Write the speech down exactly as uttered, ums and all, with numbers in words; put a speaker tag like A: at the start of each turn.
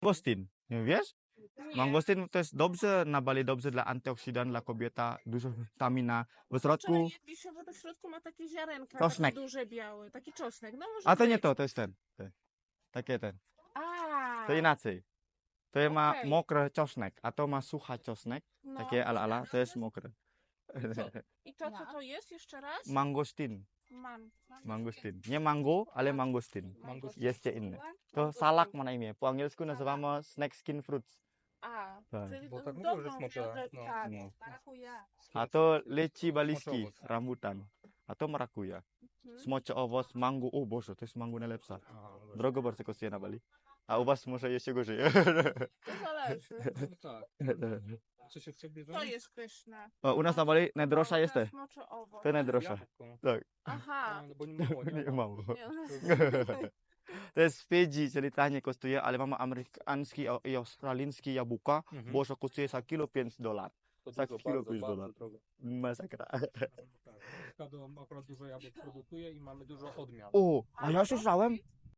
A: Mangostin, nie wiesz?
B: Nie.
A: Mangostin to jest dobrze, na Bali dobrze dla antyoksydant, dla kobieta, dużo witamina. W
B: Wczoraj
A: środku,
B: jedliśmy, bo to w środku ma takie ziarenka,
A: Czosnek.
B: takie duże, białe, taki czosnek. No może
A: a to nie
B: być.
A: to, to jest ten. ten. Takie ten.
B: A,
A: To inaczej. To ma
B: Okej.
A: mokry czosnek, a to ma sucha czosnek.
B: no.
A: Takie ala ala, to jest mokre.
B: I to co to jest jeszcze raz?
A: Mangostin.
B: Man.
A: Mangostin. Nie mango, ale mangostin.
C: Mangostin.
A: Jeszcze inne. To salak ma na imię. Po angielsku nazywamy snake skin fruits.
B: A,
A: Tak.
B: czyli
C: Bo
B: to
C: tak
B: z
C: mówią, że
B: dobrą
C: smocze,
B: wiedzę,
C: no.
B: tak.
A: No.
B: Marakuja.
A: A to leci baliski,
C: owoc.
A: rambutan. A to marakuja.
B: Mhm.
A: Smocze owoc, mango. O Boże, to jest mango najlepsza.
C: Aha, dobra.
A: Drogo bardzo kosztuje na Bali. A u was może jeszcze gorzej.
B: To zależy.
C: No tak. Co się w ciebie
B: To jest pyszne.
A: O, u nas na Bali najdroższa jest te.
B: Smocze owoc.
A: To najdroższa.
C: Jabłko.
A: Tak.
B: Aha.
C: No, bo nie mało, nie
A: Nie
C: mało.
A: mam.
B: Nie, u nas-
A: To jest Fidżi, czyli taniej kosztuje, ale mamy amerykański i australijski jabłka.
C: Mhm.
A: Boże kosztuje za kilo pięć dolarów.
C: To
A: Tak,
C: dużo,
A: kilo
C: bardzo,
A: pięć
C: bardzo
A: dolarów.
C: drogo.
A: Masakra.
C: Tak. Stado akurat dużo jabłek produkuje i mamy dużo odmian.
A: O, a ja słyszałem,